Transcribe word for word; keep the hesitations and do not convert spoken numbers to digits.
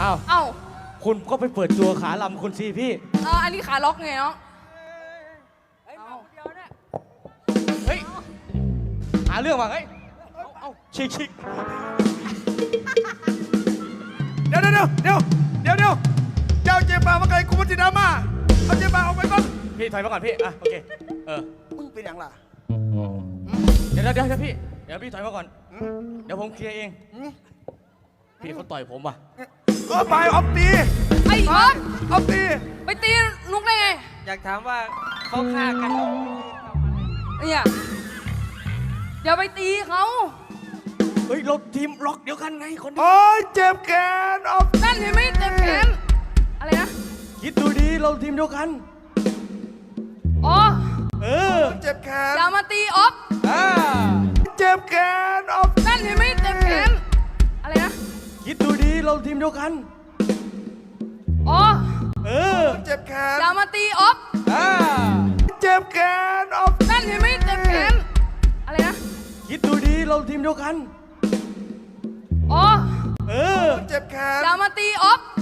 อ้าวเอ้าคุณก็ไปเปิดตัวขาลำคุณสิพี่เอออันนี้ขาล็อกไงเนาะเฮ้ย หาเรื่องว่ะเฮ้ย เอาเอาชิกชิกเดี๋ยวเดี๋ยวเดี๋ยวเดี๋ยวเดี๋ยวเจ้าเจ็บปากมาไกลกูมันจิดราม่าเอาเจ็บปากออกไปก่อนพี่ถอยมาก่อนพี่ อ่ะโอเค เออมึงเป็นอย่างไรเดี๋ยวเดี๋ยวเดี๋ยวพี่ เดี๋ยวพี่ถอยมาก่อน เดี๋ยวผมเคลียร์เอง พี่เขาต่อยผมว่ะเออไปออฟตีไอ้ออฟออฟตีไปตีนุกได้ไงอยากถามว่าเขาฆ่ากันเนี่ยอย่าไปตีเขาเฮ้ย เราทีมล็อกเดียวกันไงคนนี้โอ้ยเจ็บแขนออฟนั่นเห็นไหมเจ็บแขนอะไรนะคิดดูดีเราทีมเดียวกันอ๋อเออเจ็บแขนอย่ามาตีออฟอ่าเจ็บแขนออฟนั่นเห็นไหมเจ็บแขนอะไรนะคิดดูดีเราทีมเดียวกันอ๋อเออเจ็บแขนอย่ามาตีออฟอ่าเจ็บแขนออฟนั่นเห็นไหมเจ็บแขนอะไรนะคิดดูดีเราทีมเดียวกันอ๋อเออเจ็บแขนอย่ามาตีออฟ